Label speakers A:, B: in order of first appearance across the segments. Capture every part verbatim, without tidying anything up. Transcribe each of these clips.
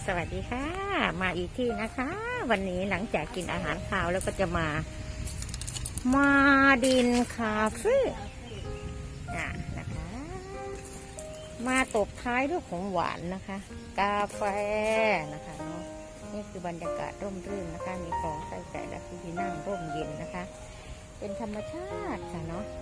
A: สวัสดีค่ะมาอีกที่นะคะ วันนี้หลังจากกินอาหารคาวแล้วก็จะมามาดินคาเฟ่อ่ะนะคะมาตบท้ายด้วยของหวานนะคะ กาแฟนะคะเนาะนี่คือบรรยากาศร่มรื่นนะคะ มีคลองใส่ใจและที่นั่งร่มเย็นนะคะ เป็นธรรมชาติค่ะเนาะ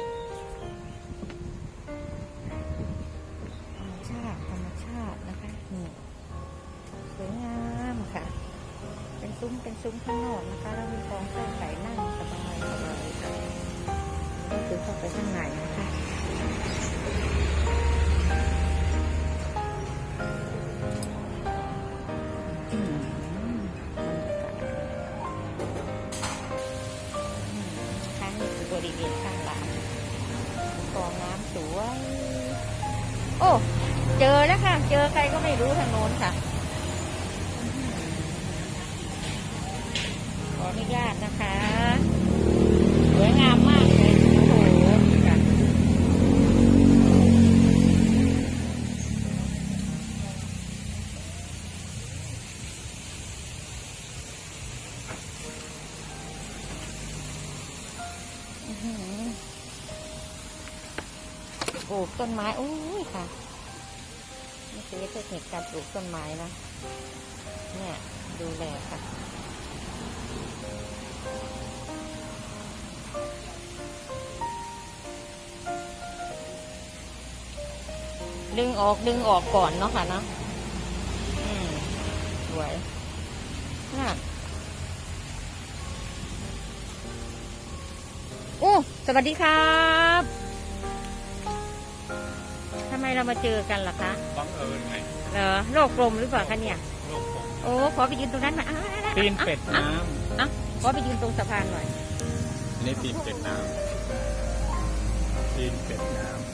A: ธรรมชาติธรรมชาตินะคะนี่สวยงามค่ะ เป็นซุ้มเป็นซุ้มข้างนอกนะคะแล้วมีกองเส้นไก่นั่งสบายสบายค่ะนี่คือเข้าไปข้างในนะคะอืมข้างนี้คือบริเวณข้างหลังกองน้ำสวยโอ้เจอแล้วค่ะเจอใครก็ไม่รู้ทางโน้นค่ะขออนุญาตนะคะสวยงามมากเลยโอ้โหค่ะปลูกต้นไม้โอ้ยค่ะนี่คือเทคนิคการปลูกต้นไม้นะเนี่ยดูแลค่ะดึงออกดึงออกก่อนเนาะค่ะเนาะอืมสวยน่ะโอ้สวัสดีครับทำไมเรามาเจอกันล่ะคะ
B: บังเอิญไง
A: เหรอโลกกลมหรือเปล่าคะเนี่ย
B: โลกกลม
A: โอ้ขอไปยืนตรงนั้นหน่อย
B: ตีนเป็ดน้
A: ำอ่ะขอไปยืนตรงสะพานหน่อย
B: ำนี่ตีนเป็ดน้ำตีนเป็ดน้ำ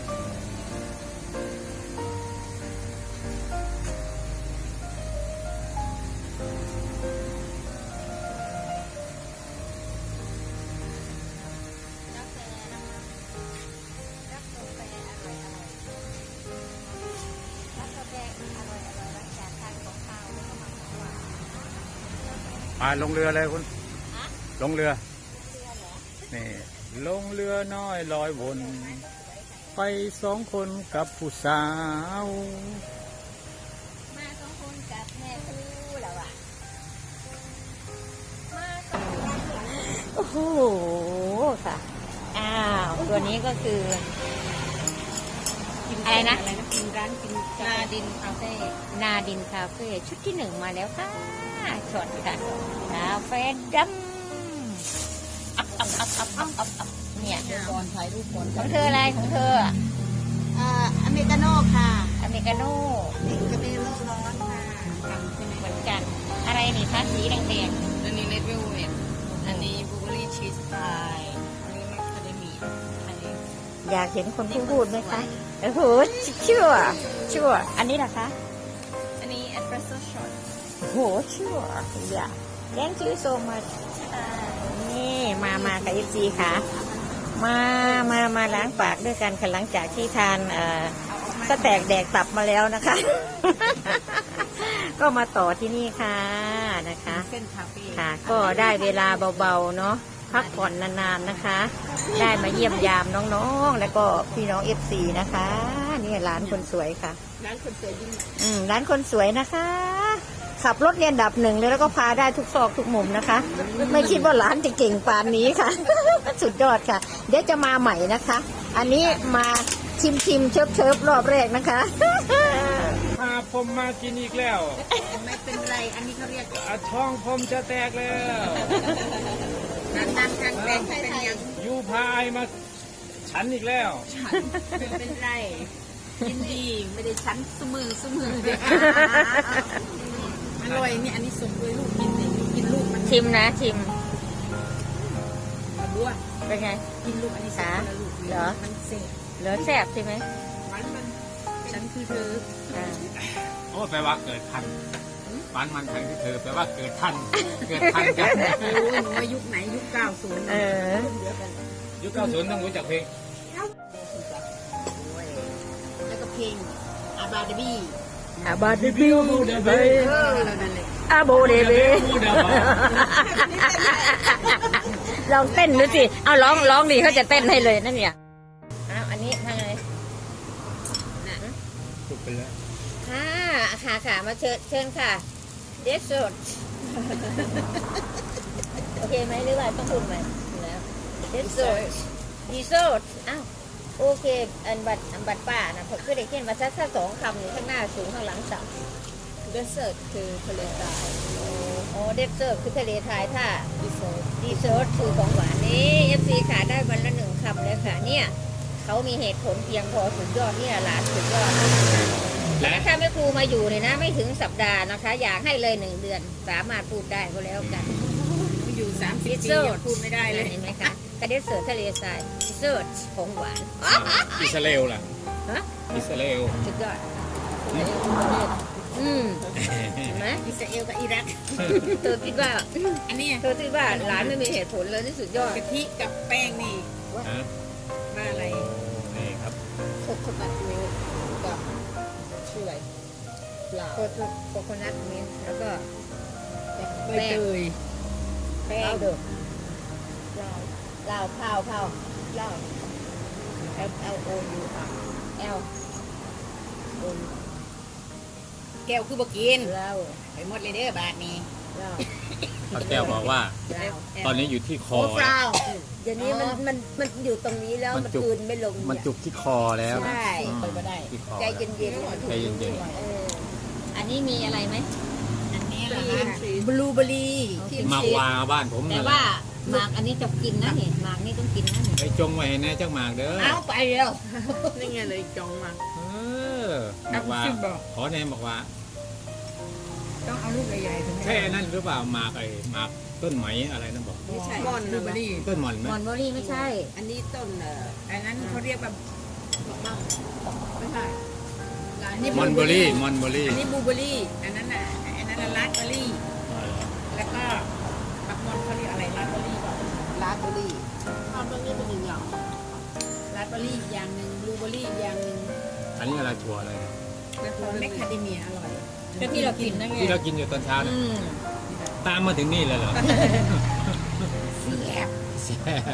B: มาลงเรือเลยคุณลงเรือนี่ลงเรือน้อยลอยวนไปสองคนกับผู้สาว
A: มาสองคนกับแม่คู่แล้วอ่ะโอ้โหค่ะอ้าวตัวนี้ก็คืออะไรนะร้านกินนาดินคาเฟ่นาดินคาเฟ่ชุดที่หนึ่งมาแล้วค่ะช็อตค่ะคาเฟ่ดำอัพอัพอัพอัพอัพอัพอัพเนี่ยก่อนถ่ายรูปก่อนของเธออะไรของเธอ
C: อ่าอเมริกาโน่ค่ะ
A: อเมริกาโน่
C: กาแฟร้อนๆค่ะ
A: เหมือนกันอะไรนี่คะสีแดง
C: อันนี้เลดเวลเวทอันนี้บลูเบอร์รี่ชีสพายอันนี้มัคคาเดมี่อันนี้
A: อยากเห็นคนพูดไหมคะโอ้โหชั่วชั่วอันนี้ล่ะคะ
C: อันนี้เอสเปรสโซ่ช็อต
A: โอ้โหชั่วอย่า thank you so much นี่มามากับ เอฟ ซี ค่ะมามามาล้างปากด้วยกันค่ะหลังจากที่ทานเอ่อสแต็กแดกตับมาแล้วนะคะ ก็มาต่อที่นี่ค่ะนะคะค่ะก็ได้เวลาเบาๆเนาะพักผ่อนนานๆนะคะ ได้มาเยี่ยมยามน้องๆแล้วก็พี่น้อง เอฟ ซี นะคะนี่ร้านคนสวยค่ะ
C: ร้านคนสวยยิ่ง
A: อืมร้านคนสวยนะคะขับรถเรียนดับหนึ่งเลยแล้วก็พาได้ทุกซอกทุกมุมนะคะไม่คิดว่าร้านจะเก่งปานนี้ค่ะ สุดยอดค่ะเดี๋ยวจะมาใหม่นะคะอันนี้มาชิมชิมเชิบเชิบรอบแรกนะคะ
B: พาผมมากินอีกแล้ว
C: ไม่เป็นไรอันนี้เขาเรียก
B: ช่องผมจะแตกแล้ว
C: นานๆครั้งแตกเป็นยัง
B: ยูพายมาฉันอีกแล้ว
C: ไม่เป็นไรยินดีไม่ได้ฉันสมือสมืออร่อยนี่อันนี้สมด้วยลูกกินเลยกินลูกมัน
A: ชิมนะชิม
C: บัว
A: เป็นไง
C: กินลูกอันนี้สาลูก
A: เหรอ
C: มันเสพ
A: เหลือแซ่บใช่ไหม
C: มันมันฉันคือเธอ
B: โอ้แปลว่าเกิดทันบ้านมันทันที่เธอแปลว่าเกิดทันเกิดทันกัน
C: ไม่รู้หนูว่ายุคไหนยุคเก้าศูนย์
A: เออ
B: ยุคเก้าศูนย์ต้องรู้จักเพลง
C: แล้วก็เพลงอาบาดบี้
A: อาบาเดบิวเดเบ
C: เออเรานั่นแหละ
A: อาโบเดเบลองเต้นดูสิเอาร้องร้องดีเขาจะเต้นให้เลยนั่นเนี่ยอ้าวอันนี้ทำไง
B: สุกไปแล้ว
A: ค่ะค่ะค่ะมาเชิญเชิญค่ะเดสโซดโอเคไหมหรือว่าต้องพูดไหมแล้วเดสโซดดีโซดอ้าวโอเคอันบัตรอันบัตรป้านะผมคือได้เขียนมาสักสองคำอยู่ข้างหน้าสูงข้างหลังต่ำ
C: เดสเซอร์คือทะเลทราย
A: โอ้เดสเซอร์คือทะเลทรายถ้าดีโซดดีโซดคือของหวานนี่เอฟซีขาได้วันละหนึ่งคำเลยค่ะเนี่ยเขามีเหตุผลเพียงพอสุดยอดเนี่ยหลานสุดยอด
B: และ
A: ถ้าแม่ครูมาอยู่เนี่ยนะไม่ถึงสัปดาห์นะคะ อยากให้เลยหนึ่งเดือนสามารถพูดได้ก็แล้วกัน
C: อยู่สามสิบปียังพูดไม่ได้เลย
A: เห็นไหมคะกระเด็ดเสือทะเลทรายดิเซิร์ตของหวาน
B: อิสราเอลล่ะ
A: ฮะ
B: อิสราเอล
A: สุดยอดอืมเห็นไหม
C: อิสราเอลกับอิรัก
A: เธอคิดว่า
C: อันนี้
A: เธอคิดว่าหลานไม่มีเหตุผลเลยที่สุดยอด
C: กะทิกับแป้งนี่
B: ฮะ
C: ว่าอะไร
B: นี่ครับ
C: โคโคนัทมิลค์กับชื่ออะไรเปล่า
A: โคโคโคโคนัทมิลค์แล้วก็
C: ใบเตยแป้
A: เหล้าง เดือดเหล้าเหล้าข้าวข้าวเหล้า L L O U R L O U
C: แก้วคือบกิน
A: เหล้า
C: ไปหมดเลยเด้อบาทนี้
A: เหล้า
B: ป้าแก้วบอกว่า
A: เหล้า
B: ตอนนี้อยู่ที่คอ
C: โอ้ฟราว
A: เดี๋ยวนี้มันมันมันอยู่ตรงนี้แล้ว
B: มัน
A: มัน
B: จุก
A: คืนไม่ลง
B: มันจุกที่คอแล้ว
A: ใช่
B: อืม
C: ไปบ่ได้
B: ที่คอ
A: ใจ
B: แล้ว
A: เย็นๆ
B: ใจเย็น
A: เอออันนี้มีอะไรไหม
C: อันนี้แหละบลูเบอร์รี่ที่
B: หมากวาบ้านผม
A: แต่
B: นั่นแห
A: ว่า
B: ละ
A: หมากอันนี้จะกินนะเห็นหมากนี่ต้องกินนะนี่
B: ไปจงไว้ให้แน่จักหมากเด้อ
C: เอาไปแล้วนี่ไงเลยจองมา
B: เออหมากวา
C: เอาสิบอก
B: ขอแน่หมากวา
C: ต้องเอาลูกใหญ่ๆถึง
B: แค่นั่นหรือเปล่าหมากไอ้หมากต้นไหมอะไรนั่นบอก
C: ไม่ใช่บอนบลูเบอร์รี่
B: ต้นหม่อนไหม
A: มอนเบอรี่ไม่ใช่
C: อันนี้ต้นเอ่ออันนั้นเขาเรียกแบบไม่ใช่อันนี้
B: มอนเบอรี่มอนเบอรี่
C: อันนี้บลูเบอร์รี่ อันนั้นน่ะอันนั้นน่ะราสเบอร์รี่ แล้วก็ปักมอนเขาเรียกอะไรราสเบอร์รี่ป่ะราสเบอร์รี่ราสเบอร์รี่เป็นอย่างอย่างราสเบอร์รี่อย่างหนึ่งบลูเบอร์รี่อย่างหนึ่ง
B: อันนี้อะไรถั่วอะไร
C: แล้วตัวแมคคาเดเมียอร่อย
A: ก็ที่เรากินนั่นไง
B: ที่เรากินอยู่ตอนเช้านะ
A: อืม
B: ตามมาถึงนี่เลยเหรอ
C: เสียบ
B: แซ่บ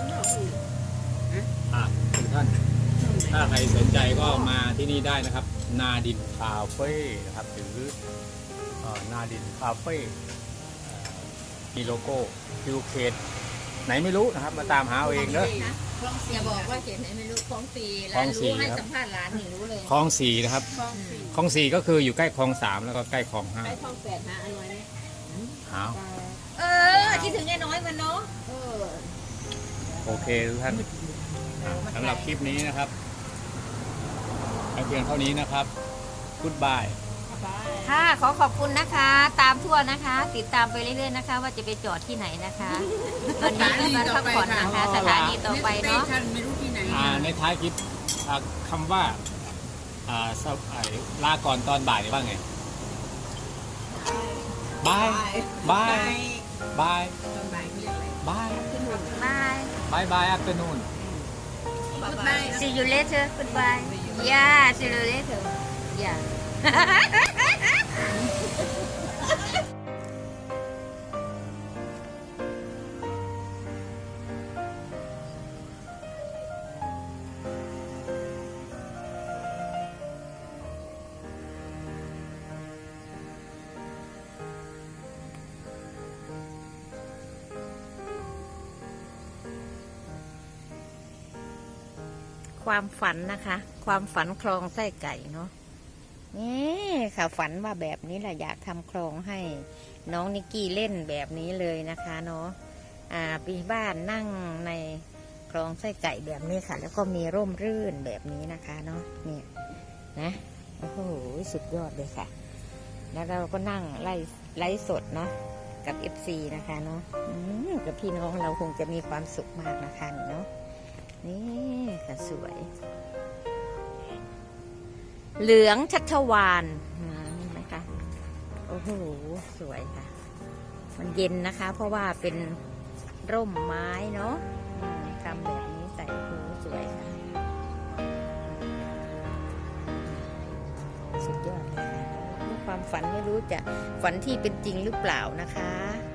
B: อ่ะทุกท่าน ถ้าใครสนใจก็มาที่นี่ได้นะครับ นาดินคาเฟ่นะครับหรือเอ่อนาดินคาเฟ่เอ่อมีโลโก้คิวเคดไหนไม่รู้นะครับ มาตามหาเอาเองเนอะ
C: คลอง
A: อย่าบอกว่าเขียนไหนไม่รู้ของฟรี
B: ข
A: ร้า
B: อน งฟรี
A: รู้ให้
B: ครับ
A: สัมภาษณ์ร้านนี่รู้เลย
B: คลองสี่นะครับ
C: คลองสี่
B: คลองสี่ก็คืออยู่ใกล้คลองสามแล้วก็ใกล้คลองห้า
C: ไปคลองแปดนะอร่อยไหม
B: เอา
A: เออคิดถึงไอ้น้อยมันเนาะ
C: เออ
B: โอเคทุกท่านสำหรับคลิปนี้นะครับเอาเพียงเท่านี้นะครับกุดบาย
C: ไป
A: ค่ะขอขอบคุณนะคะ ตามทั่วนะคะ ติดตามไปเรื่อยๆนะคะ ว่าจะไปจอดที่ไหนนะคะตอนนี้ก็มาพักผ่อนนะคะ สถานีต่อไปเนาะ
C: สถไม่รู้ที่ไหน
B: อ่าในท้ายคลิปอ่าคำว่าอ่าสไอ้ลาก่อนตอนบ่ายว่าไงบายบายบาย
C: ตอนบ่ายเขาเรียกอะไร
B: บาย
A: บาย
B: บายบายอัปเตอร์นูน
C: Goodbye.
A: see you later goodbye yeah see you later yeah ความฝันนะคะ ความฝันคลองไส้ไก่เนาะนี่ค่ะฝันว่าแบบนี้แหละอยากทำคลองให้น้องนิกกี้เล่นแบบนี้เลยนะคะเนาะอ่าปีบ้านนั่งในคลองไส้ไก่แบบนี้ค่ะ แล้วก็มีร่มรื่นแบบนี้นะคะเนาะเนี่ยนะโอ้โหสุดยอดเลยค่ะ แล้วเราก็นั่งไล่ไล่สดเนาะกับ เอฟ ซี นะคะเนาะอืมกับพี่น้องเราคงจะมีความสุขมากนะคะเนาะนี่ค่ะสวย เหลืองชัชวานเห็นไหมคะโอ้โหสวยค่ะ มันเย็นนะคะ เพราะว่าเป็นร่มไม้เนาะอืมทำแบบนี้ใส่หูสวยค่ะ สุดยอดเลยค่ะฝันไม่รู้จะฝันที่เป็นจริงหรือเปล่านะคะ